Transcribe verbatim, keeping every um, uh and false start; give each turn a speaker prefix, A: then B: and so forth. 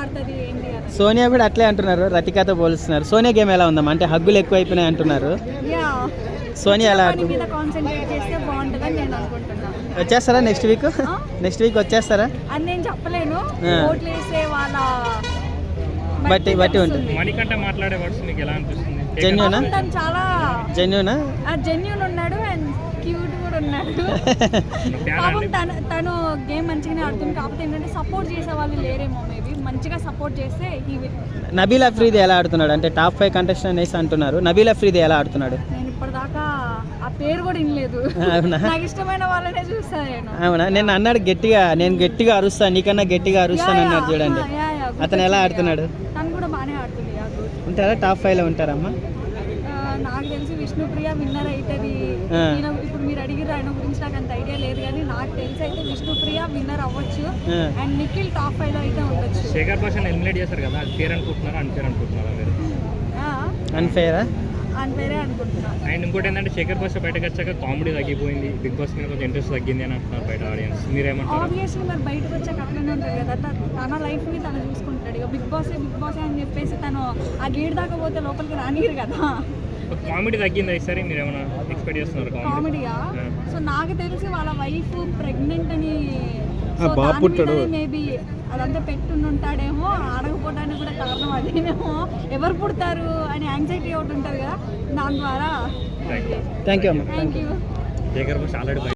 A: ఆడుతుంది ఏంటి అని.
B: సోనియా కూడా అట్లే అంటున్నారు, రతికాతో పోలుస్తున్నారు. సోనియా గేమ్ ఎలా ఉందమ్మా? అంటే హగ్గులు ఎక్కువ అయిపోయినాయి అంటున్నారు.
A: యా
B: సోనియా ఎలా
A: పని
B: ఆడుతుంది?
A: మీద కాన్సన్ట్రేట్ చేస్తే బాగుంటుందని నేను అనుకుంటున్నాను.
B: వచ్చేస్తారా నెక్స్ట్ వీక్? నెక్స్ట్ వీక్ వచ్చేస్తారా
A: అని నేను చెప్పలేను, ఓట్లు వేసే వాళ్ళ
B: బట్టి బట్టి ఉంటుంది.
C: మణికంఠ మాట్లాడే వర్డ్స్ మీకు ఎలా అనిపిస్తుంది?
B: జెన్యూనా?
A: తను చాలా
B: జెన్యూనా?
A: జెన్యూన్ ఉన్నాడు అండ్ క్యూట్ కూడా ఉన్నాడు. పాపం తను తను గేమ్ మంచిగానే ఆడుతుంది. కాకపోతే ఏంటంటే సపోర్ట్ చేసే వాళ్ళు లేరేమో, మేబీ మంచిగా సపోర్ట్ చేస్తే హీ విల్.
B: నబీల్ అఫ్రీది ఎలా ఆడుతున్నాడు? అంటే టాప్ ఫైవ్ కంటెస్టెంట్ వేసి అంటున్నారు. నబీల్ అఫ్రీది ఎలా ఆడుతున్నాడు?
A: నేను ఇప్పటిదాకా ఆ పేరు కూడా వినలేదు.
B: అవునా?
A: నాకు ఇష్టమైన వాళ్ళనే చూస్తాను నేను.
B: అవునా? నేను అన్నాడు గట్టిగా, నేను గట్టిగా అరుస్తాను, నీకన్నా గట్టిగా అరుస్తాను అన్నాడు చూడండి. అతను ఎలా ఆడుతున్నాడు?
A: తను కూడా బాగానే ఆడుతుంది.
B: ఉంటారా టాప్ ఫైవ్ లో ఉంటారమ్మా?
A: నాకు తెలిసి విష్ణుప్రియ విన్నర్ అవుతుంది. ఇప్పుడు మీరు అడిగిన ఆయన గురించి నాకు అంత ఐడియా లేదు, కానీ నాకు తెలిసి అయితే విష్ణుప్రియ విన్నర్ అవ్వచ్చు అండ్ నిఖిల్ టాప్ ఫైవ్ లో అయితే ఉండొచ్చు.
C: శేఖర్ భాష ఎలిమినేట్ చేశారు కదా, అది ఫేర్ అనుకుంటున్నారా అన్ఫేర్ అనుకుంటున్నారా మీరు?
B: అన్ఫేరా?
A: అన్ఫేరే అనుకుంటున్నాను.
C: అండ్ ఇంకోటి ఏంటంటే శేఖర్ భాష బయటకు వచ్చాక కామెడీ తగ్గిపోయింది, బిగ్ బాస్ మీద కొంచెం ఇంట్రెస్ట్ తగ్గింది అని అంటున్నారు బయట ఆడియన్స్. మీరేమంటారు?
A: ఆబ్వియస్లీ మరి బయటకు వచ్చాక అట్లనే ఉంటుంది కదా, తన లైఫ్ ని తను చూసుకుంటాడు. ఇక బిగ్ బాస్ బిగ్ బాస్ అని చెప్పేసి తను ఆ గేట్ దాకా పోతే లోపలికి రానిరు కదా.
C: కామెడీ తగ్గిందా ఈసారి? మీరు ఏమైనా ఎక్స్పెక్ట్ చేస్తున్నారు
A: కామెడీయా? సో నాకు తెలిసి వాళ్ళ వైఫ్ ప్రెగ్నెంట్ అని మేబీ అదంతా పెట్టుని ఉంటాడేమో, ఆడకపోవడానికి కూడా కారణం అదేనేమో. ఎవరు పుడతారు అని యాంగ్జైటీ ఒకటి ఉంటుంది కదా, దాని ద్వారా.
B: థ్యాంక్ యూ అమ్మా.
A: Thank you.
C: Shekhar Basha already